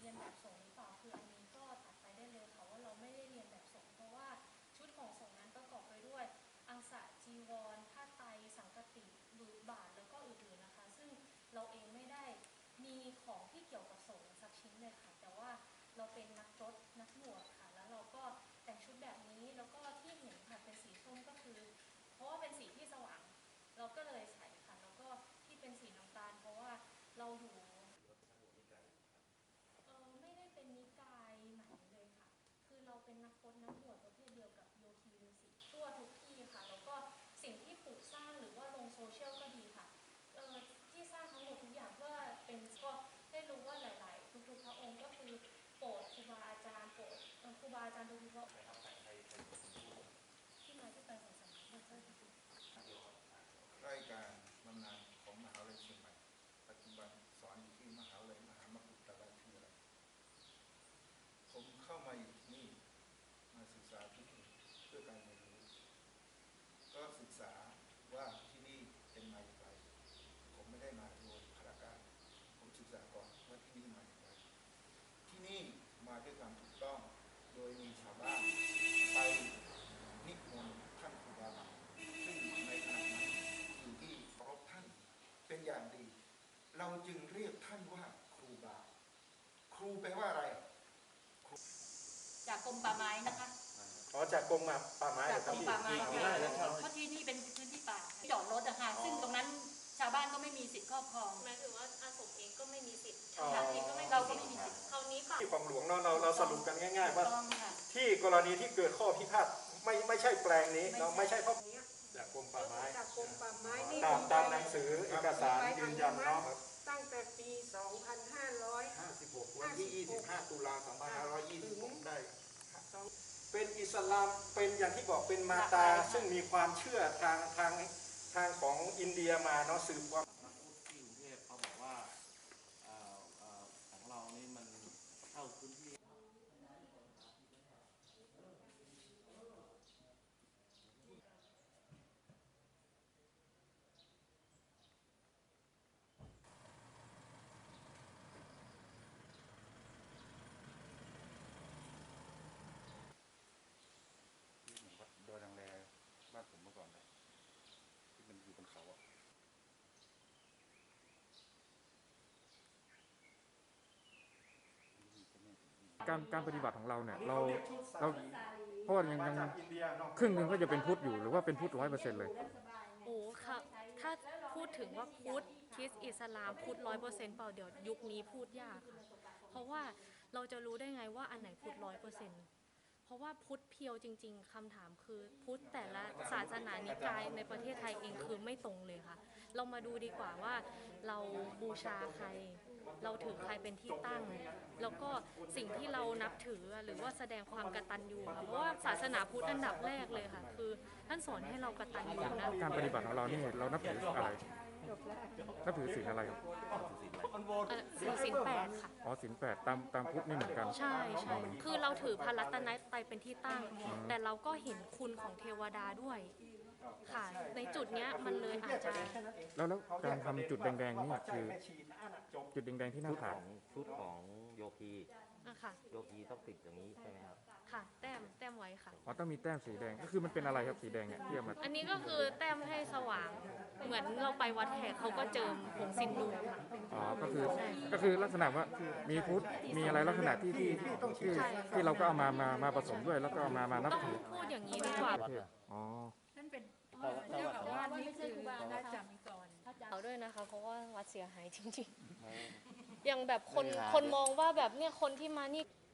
รียนแบบสงฆ์หรือเปล่าคืออันนี้ก็ตัดไปได้เลยค่ะว่าเราไม่ได้เรียนแบบสงฆ์เพราะว่าชุดของสงฆ์นั้นประกอบไปด้วยอังสะจีวรผ้าไตรสังฆติหรือบาตรแล้วก็อื่นๆนะคะซึ่งเราเองไม่ได้มีของที่เกี่ยวกับสงฆ์สักชิ้นเลยค่ะแต่ว่าเราเป็นนักรถนักบวชค่ะแล้วเราก็แต่งชุดแบบนี้แล้วก็ที่เห็นค่ะเป็นสีส้มก็คือเพราะว่าเป็นสีที่สว่างเราก็เลยใส่ค่ะแล้วก็ที่เป็นสีน้ำตาลเพราะว่าเราอยู่ไม่ได้เป็นนิกายไหนเลยค่ะคือเราเป็นนักพจน์นักบวชประเภทเดียวกับโยคีฤาษีทั่วทุกที่ค่ะแล้วก็สิ่งที่ปลูกสร้างหรือว่าลงโซเชียลก็ดีค่ะที่สร้างทั้งหมดทุกอย่างเพื่อเป็นก็ได้รู้ว่าหลายๆทุกๆพระองค์ก็คือโปรดครูบาอาจารย์โปรดครูบาอาจารย์ทุกๆพระที่มาที่ไปของสำนักพุทธรายการบำนาญของมหาวิทยาลัยเชียงใหม่ปัจจุบันสอนอยู่ที่มหาวิทยาลัยมหามกุฏราชวิทยาลัยผมเข้ามาอยู่ที่นี่มาศึกษาที่นี่เพื่อการเรียนรู้ก็ศึกษาว่าที่นี่เป็นมาอย่างไรผมไม่ได้มาโดยพระการผมศึกษาก่อนว่าที่นี่มาอย่างไรที่นี่มาด้วยความถูกต้องโดยมีชาวบ้านไปนิมนต์ท่านครูบาซึ่งในขณะนั้นอยู่ที่เคารพท่านเป็นอย่างดีเราจึงเรียกท่านว่าครูบาครูแปลว่าอะไรจากกรมป่าไม้นะคะจากกรมป่าไม้จากกรมป่าไม้เพราะที่นี่เป็นพื้นที่ป่าจอดรถอะค่ะซึ่งตรงนั้นชาวบ้านก็ไม่มีสิทธิ์ครอบครองหมายถึงว่าอาสมเองก็ไม่มีสิทธิ์เราก็ไม่มีสิทธิ์คราวนี้ค่ะที่ของหลวงเราสรุปกันง่ายๆว่าที่กรณีที่เกิดข้อพิพาทไม่ใช่แปลงนี้เราไม่ใช่เพราะจากกรมป่าไม้ตามหนังสือเอกสารยืนยันเนาะตั้งแต่ปี 2556 วันที่ 25 ตุลา 2526 ได้เป็นอิสลามเป็นอย่างที่บอกเป็นมาตาซึ่งมีความเชื่อทางของอินเดียมาเนาะสืบความนักพุทธที่กรุงเทพเขาบอกว่าของเรานี่มันเข้าพื้นที่โดยทางแรบ้านผมเมื่อก่อนเลยที่มันอยู่บนเขาอ่ะการปฏิบัติของเราเนี่ยเราเพราะว่ายังครึ่งหนึ่งก็จะเป็นพุทธอยู่หรือว่าเป็นพุทธ100%เลยโอ้ค่ะถ้าพูดถึงว่าพุทธคริสต์อิสลามพุทธ100%เปล่าเดี๋ยวยุคนี้พูดยากค่ะเพราะว่าเราจะรู้ได้ไงว่าอันไหนพุทธ100%เพราะว่าพุทธเพียวจริงๆคำถามคือพุทธแต่ละศาสนานิกายในประเทศไทยเองคือไม่ตรงเลยค่ะเรามาดูดีกว่าว่าเราบูชาใครเราถือใครเป็นที่ตั้งแล้วก็สิ่งที่เรานับถือหรือว่าแสดงความกตัญญูค่ะเพราะว่าศาสนาพุทธอันดับแรกเลยค่ะคือท่านสอนให้เรากตัญญูนะการปฏิบัติของเรานี่เรานับถืออะไรนับถือศีลอะไรครับศีล8ค่ะอ๋อศีล8ตามพุทธนี่เหมือนกันใช่คือเราถือพระรัตนตรัยเป็นที่ตั้งแต่เราก็เห็นคุณของเทวดาด้วยค่ะในจุดเนี้ยมันเลยอาจจะแล้วการทำจุดแดงๆนี่คือจุดแดงๆที่หน้าผากชุดของโยคีค่ะโยคีต้องติดอย่างนี้ใช่ไหมครับค่ะแต้มไว้ค่ะอ๋อต้องมีแต้มสีแดงก็คือมันเป็นอะไรครับสีแดงเนี่ยที่เอามาอันนี้ก็คือแต้มให้สว่างเหมือนเราไปวัดแขกเขาก็เจิมผงซินดูค่ะอ๋อก็คือลักษณะว่ามีพุทธมีอะไรลักษณะที่เราก็เอามาผสมด้วยแล้วก็มานับถือพูดอย่างนี้ดีกว่าอ๋อนั่นเป็นเจ้าของบ้านนี่คือครูบาอาจารย์มีก่อนเอาด้วยนะคะเพราะว่าวัดเสียหายจริงๆอย่างแบบคนมองว่าแบบเนี่ยคนที่มานี่